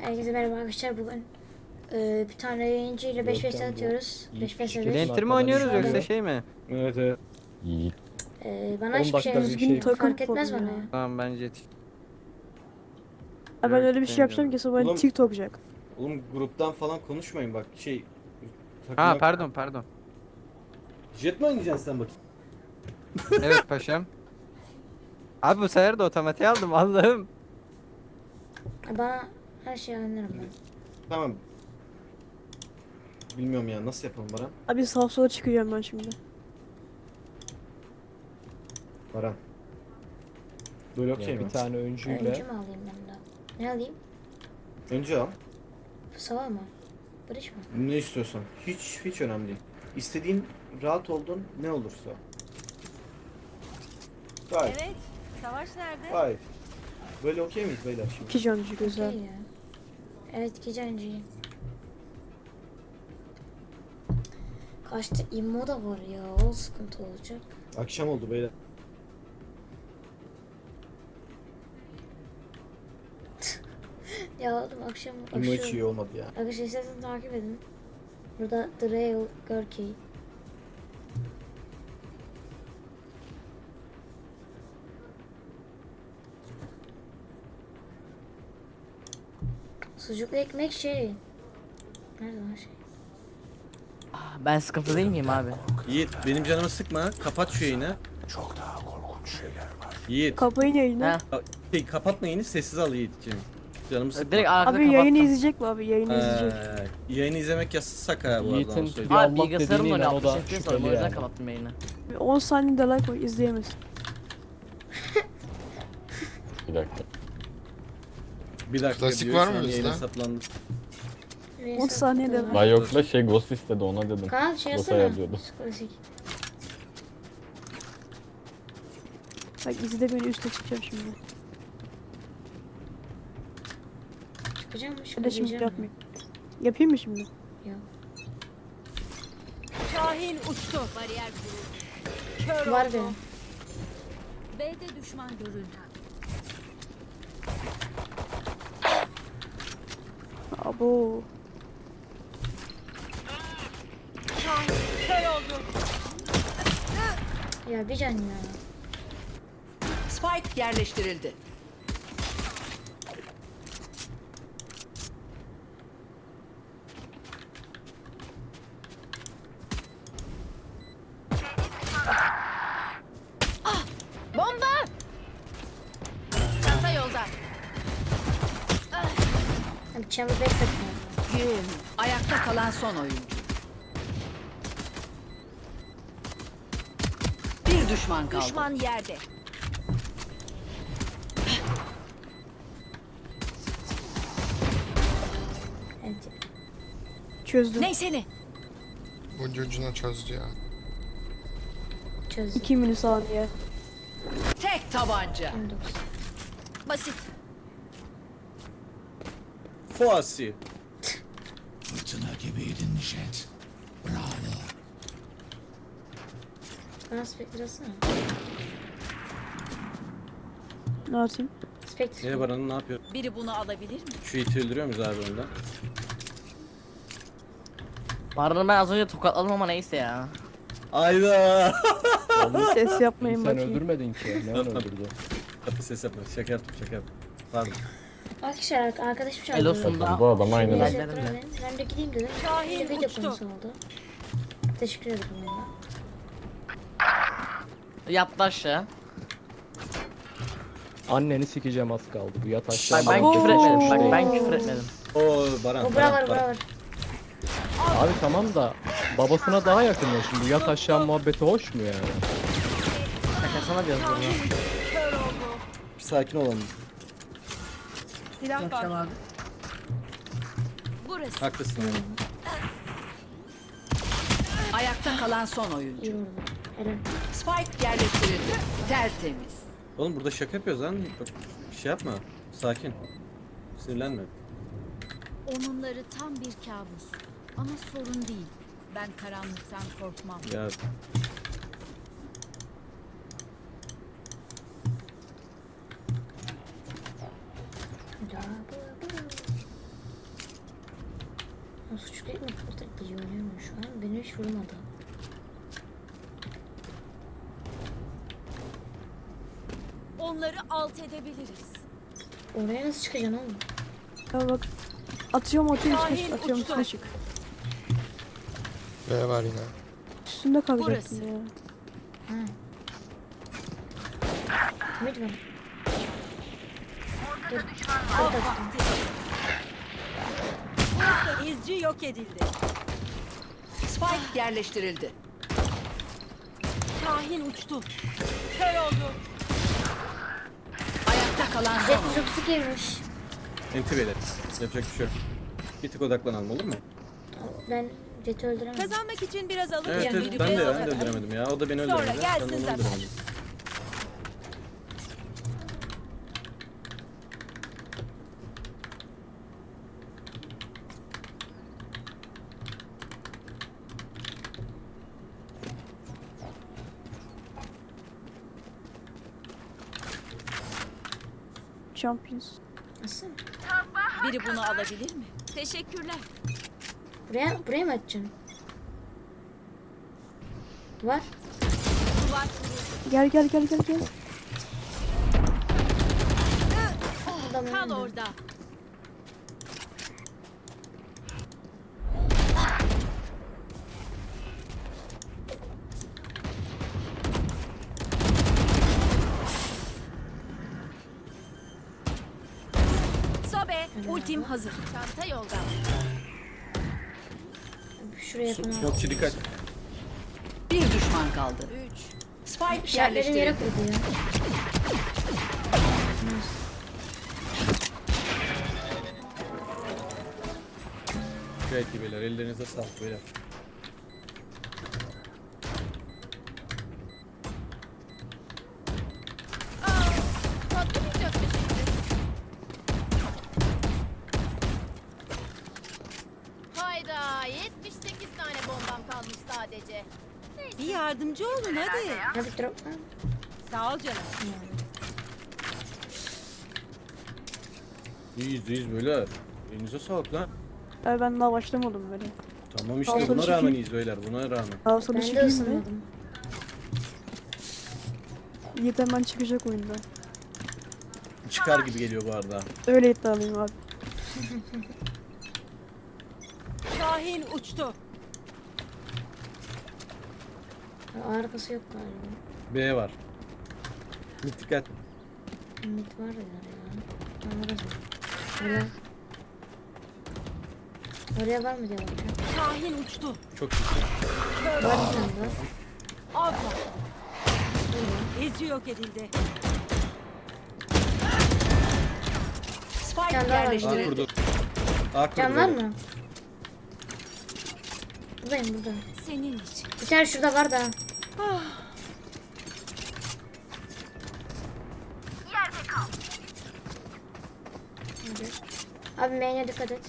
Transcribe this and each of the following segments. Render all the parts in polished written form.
Herkese merhaba arkadaşlar. Bugün bir tane yayıncı ile 5 vs atıyoruz. 5 vs 5. Enter mi oynuyoruz Şu yoksa anda- şey mi? Evet evet. Yiğit. Bana 10 hiçbir şey dakika bir şey. fark etmez bana ya. Tamam bence yetiş. Ben öyle bir şey yapacağım ki sonra Oğlum- TikTok'cak. Oğlum gruptan falan konuşmayın bak Ha takıma- pardon. Jet mi oynayacaksın sen bakayım? Evet paşam. Abi bu sefer de otomatiğe aldım Allah'ım. Bana her şeyi anlarım ben. Tamam. Bilmiyorum ya nasıl yapalım Baran? Abi sağa sola çıkacağım ben şimdi. Baran. Böyle okey Yani mi? bir tane Öncü öncüyle mü alayım ben de? Ne alayım? Önce al. Sava mı? Barış mı? Ne istiyorsan. Hiç önemli değil. İstediğin rahat oldun ne olursa. Gayet. Evet. Savaş nerede? Gayet. Böyle okey miyiz beyler şimdi? İki cancı güzel. Okey ya. Evet gece önceyim. Kaçta immo da var ya. O sıkıntı olacak. Akşam oldu beyler. Ya oğlum akşam Bilmiyorum hiç iyi olmadı ya. Arkadaşlar isterseniz takip edin. Burada The Real Görkey. Sucuklu ekmek şey. Nerede o şey? Ben sıkıntı değil miyim abi? Yiğit benim canımı sıkma. Kapat şu yayını. Yiğit. Kapayın yayını. Ha. Kapatma yayını sessiz al Yiğit'ciğim. Canımı sıkma. Direkt arkada Abi yayını kapattım. izleyecek mi abi? Yayını izleyecek. Yayını izlemek yasak ha bu arada onu Yiğit'in söyleyeyim. bir Abi Allah bilgisayarımla dediğine öyle inan o da 60 FPS var. O şüpheli yüzden yani. kapattım yayını. 10 saniyede like var izleyemez. Bir dakika. Bir dakika Klasik diyor, var şu mı an bizde? yayına saplandı. 10 saniyede Reset- Ben yokla şey Ghost istedi ona dedim. Kaan şey Ghost yazsana. ayarlıyordu. Klasik. Bak izle beni üste çıkacağım şimdi. Çıkacağım mı? Hadi şimdi Çıkabileceğim mi? yapmayayım. Yapayım mı şimdi? Yok. Şahin uçtu. Bariyer kuruldu. Kör Var oldu. benim. B'de düşman görüldü. Abo. Şahin kör oldu. Ya bir can ya. Spike yerleştirildi. Bomba! Çanta yolda. Abi chamber back sakın. Gün. Ayakta kalan son oyuncu. Bir düşman kaldı. Düşman yerde. Evet. Çözdüm. Neyse ne? Bunca ucuna çözdü ya. Çözdüm. 2 milisaniye. Tek tabanca. 19. Basit. Fuasi. Bana Spectre alsana. Ne yapayım? Spectre. Ne Baran'ın ne yapıyor? Biri bunu alabilir mi? Şu iti öldürüyor muyuz abi önden? Baran'ı ben az önce tokatladım ama neyse ya. Ayda. Ses yapmayın Sen bakayım. öldürmedin ki. Ne öldürdü? Kapı ses yapma. Şaka yaptım şaka yaptım. Pardon. Arkadaşlar arkadaşım çağırdı. El olsun Bakın da. bu adam aynen Neyse, öyle. Halledim de. Ben de gideyim dedim. Şahin Bir de video uçtu. konusu oldu. Teşekkür ederim onunla. Yattı aşağı. Anneni sikeceğim az kaldı. Bu yat aşağı. Bak ben Oo. küfür etmedim. Bak ben küfür etmedim. Oo Baran. O Baran, bura var Baran. bura var. Abi tamam da babasına daha yakın ya şimdi. Bu yat aşağı muhabbeti hoş mu yani? Şakasına diyoruz bunu. Kör oldu. Bir sakin olalım. Silah var. Burası. Haklısın yani. Ayakta kalan son oyuncu. İyi vurdu. Eren. Spike yerleştirildi. Tertemiz. Oğlum burada şaka yapıyoruz lan. Bak, bir şey yapma. Sakin. Sinirlenme. Onunları tam bir kabus. Ama sorun değil. Ben karanlıktan korkmam. Ya O suçlu değil mi? Kurtar iyi oynuyor şu an. Beni hiç vurmadı. Onları alt edebiliriz. Oraya nasıl çıkacaksın oğlum? Ya bak. Atıyorum üstüne Şahin çık. Atıyorum uçtu. üstüne çık. B var yine. Üstünde kalacaktım Burası. ya. Mid mi? Dur. Av vakti. İzci yok edildi. Spike yerleştirildi. Şahin uçtu. Kör oldu. Ayakta kalan son Jet oyuncu. zıpsı girmiş. Enti beyler. Yapacak bir şey yok. Bir tık odaklanalım olur mu? Ben Jet'i öldüremem. Kazanmak için biraz alır Evet, yani. evet ben de öldüremedim ya. O da beni Sonra öldüremedi. gelsin Ben de onu zaten. öldüremedim. Champions. Nasıl? Biri bunu alabilir mi? Teşekkürler. Buraya mı atacaksın? Var. Duvar Gel. Adam kal öldü. orada. Sobe, ultim hazır. Çanta yolda. Şuraya yapalım. Smokçı dikkat. Bir düşman kaldı. 3. Spike İşaretlerim yere yerleştirildi. koydu ya. Gayet iyi beyler. Ellerinize sağlık beyler. Patlamayacak bir şeydi. Hayda, 78 tane bombam kalmış sadece. Bir yardımcı olun hadi. Hadi drop lan. Sağ ol canım. İyiyiz beyler. Elinize sağlık lan. Ben daha başlamadım böyle. Tamam işte Alsana buna çekeyim. rağmen iyiyiz beyler. Buna rağmen. Daha sonra Ben de çıkayım mı? ısınmadım. Yiğit hemen çıkacak oyunda. Çıkar gibi geliyor bu arada. Öyle iddialıyım abi. Şahin uçtu. Arkası yok galiba. B var. Bir dikkat. Mid var ya. Orası. Oraya. Oraya var mı diye bakacağım. Şahin uçtu. Çok iyi. Var bir tane var. Av vakti. İzci yok edildi. Spike Can daha var. A yerleştirildi. kurdu. A kurdu. Can var beyler. mı? Buradayım burada. Senin için. Bir tane şurada var da. Hadi. Abi main'e dikkat et.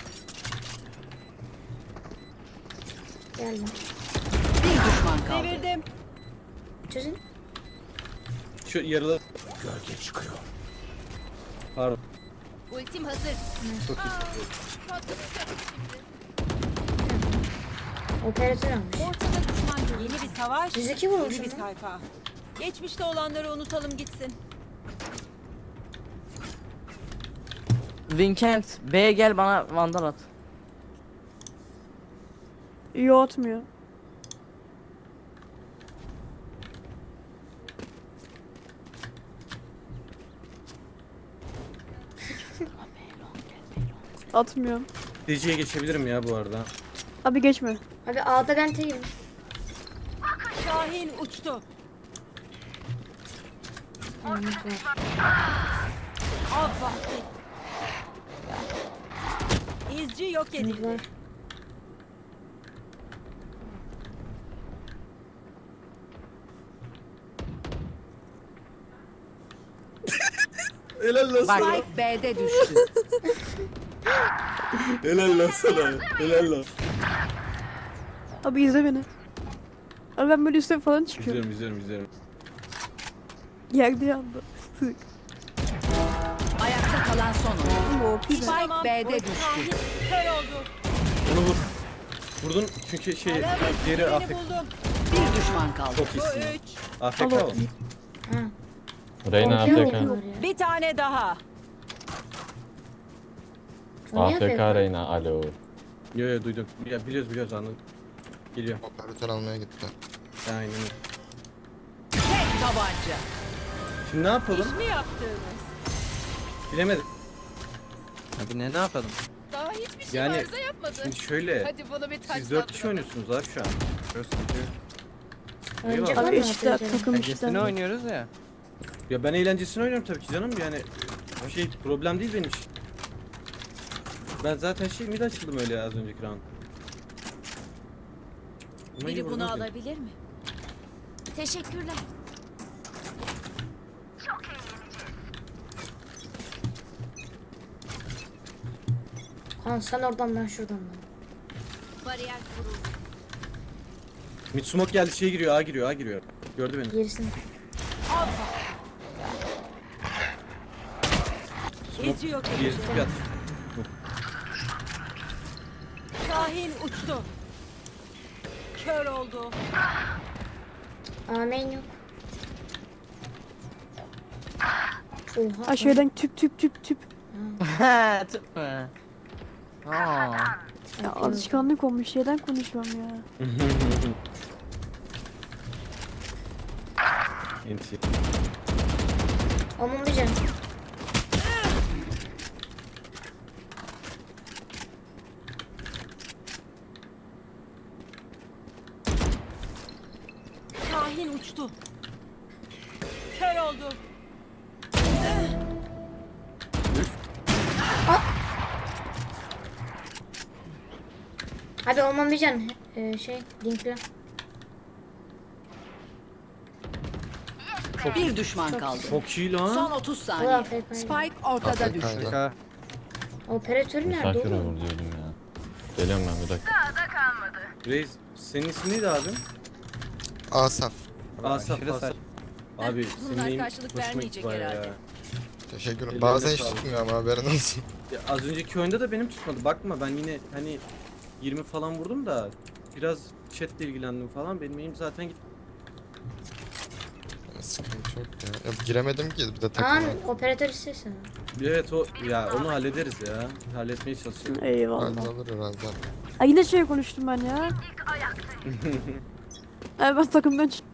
Geldim. Bir düşman kaldı. Devirdim. Çözün. Şu yarılı. Gölge çıkıyor. Pardon. Ultim hazır. Çok iyi. Patlamayacak şimdi. Operatör almış. Ortada düşman görüldü. Yeni bir savaş. 102 vurmuş Yeni bir ama. sayfa. Geçmişte olanları unutalım gitsin. Vincent B'ye gel bana vandal at. Yo atmıyor. Atmıyorum. DC'ye geçebilirim ya bu arada. Abi geçme. Abi A'da ben teyim. Şahin uçtu. Mid var. Av vakti. İzci yok Mid edildi. var. Helal lan Bak. Spike B'de düştü. Helal lan sana. Helal lan. Abi izle beni. Abi ben böyle üstte falan çıkıyorum. İzliyorum. Yerde yandı. Sık. Ayakta kalan son oyuncu. Ama o pide. Spike B'de düştü. Şahin kör oldu. Onu vur. Vurdun çünkü şey geri AFK. Bir düşman kaldı. Çok iyisin. AFK Alo. o. Ha. Reyna Okey AFK. oluyor ya. Bir tane daha. O niye AFK AFK? Reyna. Alo. Yo duydum. Ya biliyoruz anladım. Geliyor. Operatör almaya gitti. Aynen öyle. Tek tabanca. Şimdi ne yapalım? Mi yaptınız? Bilemedim. Abi ne yapalım? Daha hiçbir şey Yani arıza yapmadı. şimdi şöyle. Hadi bana bir taş Siz 4 kişi oynuyorsunuz abi şu an. Oyuncak Eyvallah. var Abi mı işte operatörün? takım işte. Egesini oynuyoruz ya. Ya ben eğlencesini oynuyorum tabii ki canım yani. O şey problem değil benim için. Ben zaten mid açıldım öyle az önceki round. Ama iyi Biri bunu vurdun seni. alabilir mi? Teşekkürler. Kaan sen oradan ben şuradan. Bariyer kuruldu. Mid smoke geldi giriyor A giriyor. Gördü beni. Gerisini. Geziyor Gezdi bir at. Şahin uçtu. Kör oldu. Amen yok. Oha. Aşağıdan tüp. Tıp mı? Aa. Ya alışkanlık olmuş şeyden konuşuyorum ya. Enti. Aman bir can. Şahin uçtu. Kör oldu. Hadi aman bir can. Linkle. Bir düşman kaldı. Çok iyi Son lan. 30 O saniye. AFK. Spike ortada AFK düştü. ile. Şaka. Operatörü nerede Misafir oğlum? olur diyordum ya. Geliyorum ben bir dakika. Reis senin ismin neydi abi? Asaf. Asaf Aşırı Asaf. Abi senin Bunlar neyin karşılık hoşuma vermeyecek gitti bayağı herhalde. ya. Teşekkür ederim. Ellerine Bazen hiç sağlık. tutmuyor ama haberin olsun. Ya az önceki oyunda da benim tutmadı. Bakma ben yine hani 20 falan vurdum da biraz chatle ilgilendim falan. Benim elim zaten gitti. Sıkıntı yok ya. Ya giremedim ki bir de Kaan takıma. operatör istiyorsan. Evet o ya onu hallederiz ya. Halletmeye çalışacağım. Eyvallah. Hallolur herhalde. Ay yine şey konuştum ben ya. Ay ben takımdan çık.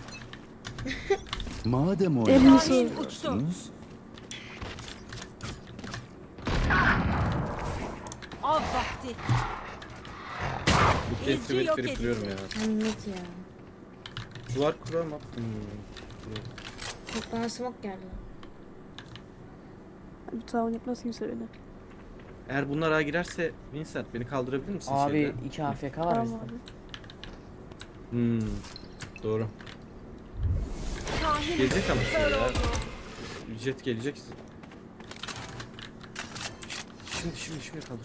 Madem Elini Şahin sor. uçtu. Av vakti. Bu kez İzci verip yok verip edildi. duruyorum ya. Anlat ya. Duvar kuramam. Çok bana smoke geldi. Abi tamam yapmaz kimse beni. Eğer bunlar A girerse Vincent beni kaldırabilir misin Abi şeyde? 2 AFK var Tamam bizde. abi. Doğru. Şahin Gelecek ama kör şimdi ya. oldu. Jet gelecek. Şimdi kaldı.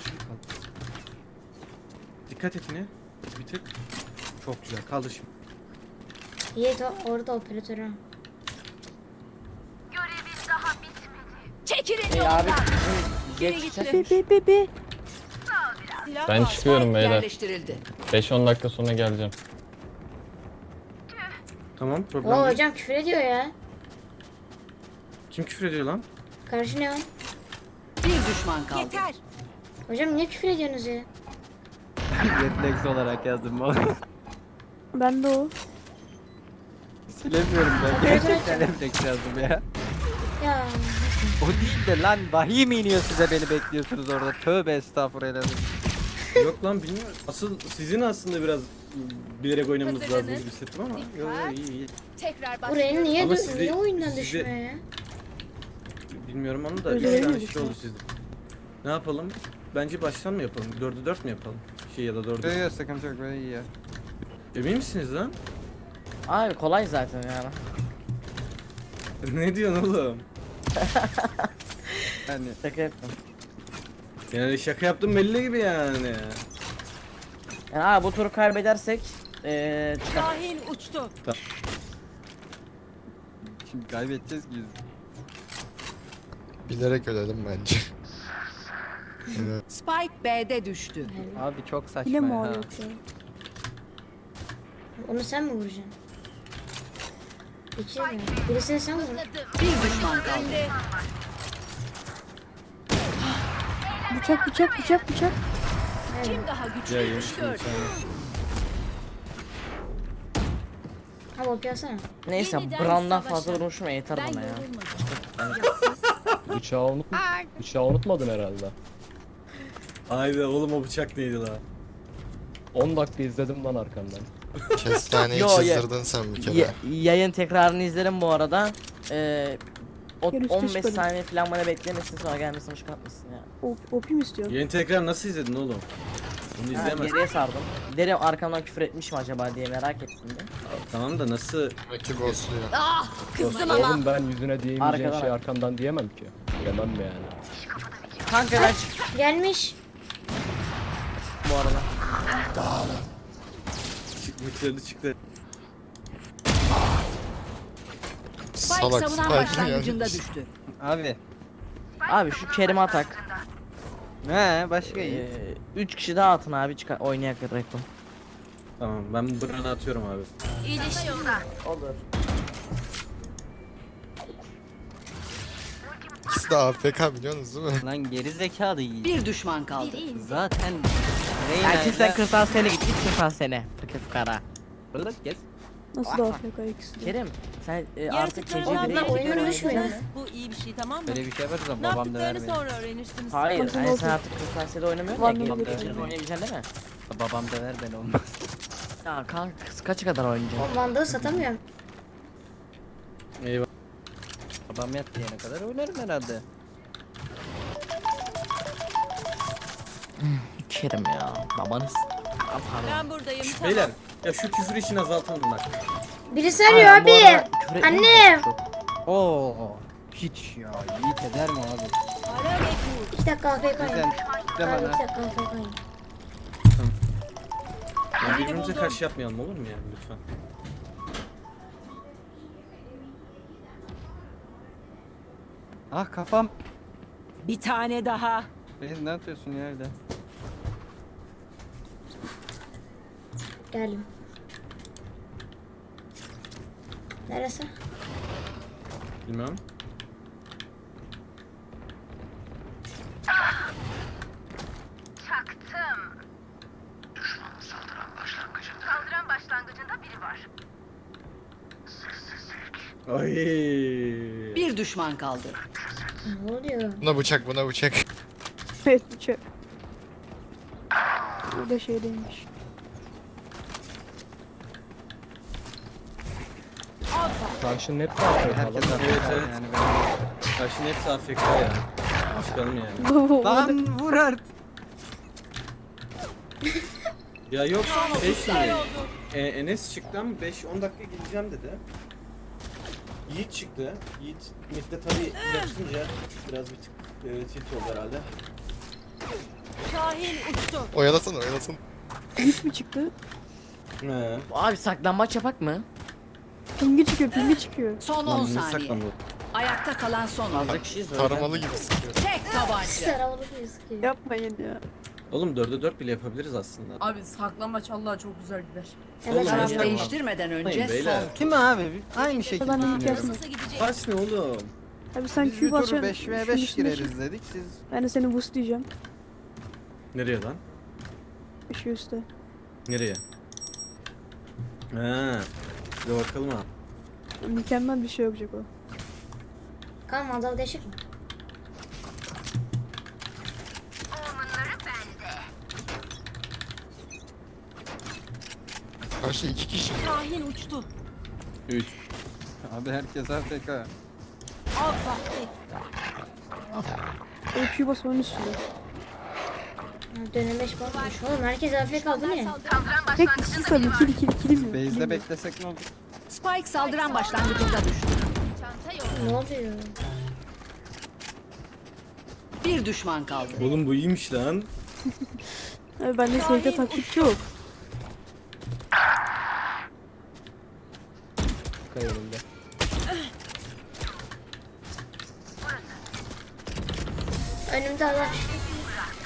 Dikkat et yine. Bir tık. Çok güzel. Kaldı şimdi. Yiğit orada operatörü. Çekilin Abi yoldan. bizim Geri geçecek. gitti. Be. Silah Ben var. çıkıyorum Spike beyler. yerleştirildi. 5-10 dakika sonra geleceğim. Tamam problem Oo değil. hocam küfür ediyor ya. Kim küfür ediyor lan? Karşı ne o? Bir düşman kaldı. Yeter. Hocam niye küfür ediyorsunuz ya? Refleks olarak yazdım bu. Ben de o. Silemiyorum ben. Operatör Gerçekten açın. refleks yazdım ya. Ya. O değil de lan vahiy mi iniyor size beni bekliyorsunuz orada. Tövbe estağfurullah. Yok lan bilmiyorum. Asıl sizin aslında biraz bilerek oynamanız lazım Hazırlanın. gibi hissettim ama. Dikkat. Yok iyi. Tekrar Buraya başlıyoruz. niye, Ama sizi- niye oyundan sizi- düşmüyor ya? Bilmiyorum onu da Öyle 3 tane miydi şey sen? oldu sizde. Ne yapalım? Bence baştan mı yapalım? 4'e 4 mü yapalım? Ya da 4'e. Yok sıkıntı yok böyle iyi ya. Emin misiniz lan? Abi kolay zaten yani. Ne diyorsun oğlum? Yani Şaka yaptım. Yani şaka yaptım belli gibi yani. Yani abi bu turu kaybedersek çıkar. Şahin uçtu. şimdi kaybedeceğiz ki biz. Bilerek öledim bence. Evet. Spike B'de düştü. Abi çok saçma Yine mi ya. o yok ya? Onu sen mi vuracaksın? İki mi? Birisini sen vur. Bir düşman kaldı. Bıçak bıçak bıçak bıçak. Kim daha Ya güçlüymüş yemiş gör. Ha bak yazsana. Neyse Yeniden Brand'dan savaşa. fazla vurmuşum ya, yeter Ben bana ya. yorulmadım. Bıçağı unutmadın herhalde. Haydi oğlum o bıçak neydi la? 10 dakika izledim lan arkandan. Kestaneyi Yo, çizdirdin sen bir kere. Yayın tekrarını izlerim bu arada. Gel üstü 15 çıkalım. saniye falan bana beklemesin, sonra gelmesin çıkartmasın ya. OP mi istiyorsun? Yeni tekrar nasıl izledin oğlum? Bunu Ha, izleyemez. geriye sardım. Derim arkamdan küfür etmiş mi acaba diye merak ettim de. Tamam da nasıl? Belki ghostluyor. Kızdım ama. Oğlum ben yüzüne diyemeyeceğin Arkadan şey al. arkandan diyemem ki. Diyemem mi yani? Kanka ben çıktım Gelmiş. bu arada. Çıktı çıktı. Spike Salak savunan Spike başlangıcında gelmiş. düştü. Abi. Abi şu Kerim'e atak. Ne başka iyi. 3 kişi daha atın abi, çıkar oynayak reklam. Tamam ben bu Bran'ı atıyorum abi. Olur. İkisi de AFK biliyorsunuz değil mi? Lan geri zekalı iyi. Bir düşman kaldı. Zaten Erkek sen kırtasiyene git, git kırtasiyene. Fakir fukara. Gez. Nasıl da AFK ikisi de? Kerim sen artık Yaratıkları gece Onlar öğrenmek oyunu düşmüyor. Bu iyi bir şey, tamam mı? Böyle bir şey yaparız ama Ne babam yaptıklarını döver beni. sonra öğrenirsiniz. Hayır, Nasıl hani sen oldu? artık kırtasiyede oynamıyorsun Var ya, mı gelip böyle gece şey? oynayabileceksin değil mi? Babam döver beni olmaz. Ya kanka kaça kadar oynayacaksın? O Vandal'ı satamıyorum. Eyvah. Babam yat diyene kadar oynarım herhalde. Kerim ya, babanız. Aa, pardon. Ben buradayım, Beyler ya şu küfür işini azaltalım bak. Birisi arıyor Aynen, bu abi. arada küfür etmeyin Annem. çok. Oo. Hiç ya. Yiğit eder mi abi? 2 dakika AFK'yım. Sen Abi deme 2 lan. dakika AFK'yim. Ya birbirimize karşı yapmayalım olur mu yani lütfen? Ah kafam. Bir tane daha. Reis ne yapıyorsun ya evde? Geldim. Neresi? Bilmem. Ay. Bir düşman kaldı. Ne oluyor? Buna bıçak buna bıçak. Evet bıçak. Burada şeydeymiş. Karşının hepsi AFK Herkes lan. AFK evet. yani. Karşının hepsi AFK ya. Çıkalım yani. Lan vur artık. Ya yok şey şimdi. Enes çıktı ama 5-10 dakika gideceğim dedi. Yiğit çıktı. Yiğit midde tabii yapınca biraz bir tık tilt oldu herhalde. Şahin uçtu. Oyalasana oyalasana. Hiç mi çıktı? He. Abi saklambaç yapak mı? Pingi çıkıyor pingi çıkıyor. Son Lan 10 bunu saniye. saklandı. Ayakta kalan son. Fazla kişiyiz öyle. Taramalı gibi sıkıyor. Tek tabanca. Saramalı bir sıkıyor. Yapmayın ya. Oğlum 4'e 4 bile yapabiliriz aslında. Abi saklambaç Allah çok güzel gider. Evet Oğlum, Taraf ya. abi. değiştirmeden önce Hayır, beyler. son. Kim abi? Aynı şekilde Adam ilk düşünüyorum. yazma. Kaç ne oğlum? Abi sen Biz bir Q tur basacaksın. 5v5 şunun üstüne çık. gireriz dedik siz. Ben de seni boostlayacağım. Nereye lan? Şu üstte. Nereye? Ha. Bir bakalım ha. Mükemmel bir şey olacak o. Kan Vandal değişik mi? Karşı 2 kişi. Şahin uçtu. 3. Abi herkes AFK. Av vakti. O Q bas onun üstünde. Dönemeç bakmış. Oğlum herkes AFK kaldı ne? Tek kişi tabii kilim yok. Base'de beklesek ne olur? Spike saldıran başlangıcında düştü. Ne oluyor? Bir düşman kaldı. Oğlum bu iyiymiş lan. Abi bende sevde taktik yok. Kayırıldı. Önümde adam.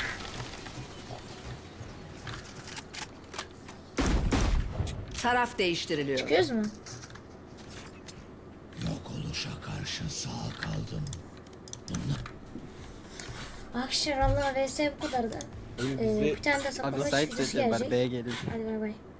Taraf değiştiriliyor. Çıkıyoruz mu? Yok oluşa karşı sağ kaldım. Arkadaşlar Allah vs bu kadardı. Oğlum bizde Bir tane de Abi saklama site videosu dedi ben gelecek. B'ye geleyim. Hadi bay bay.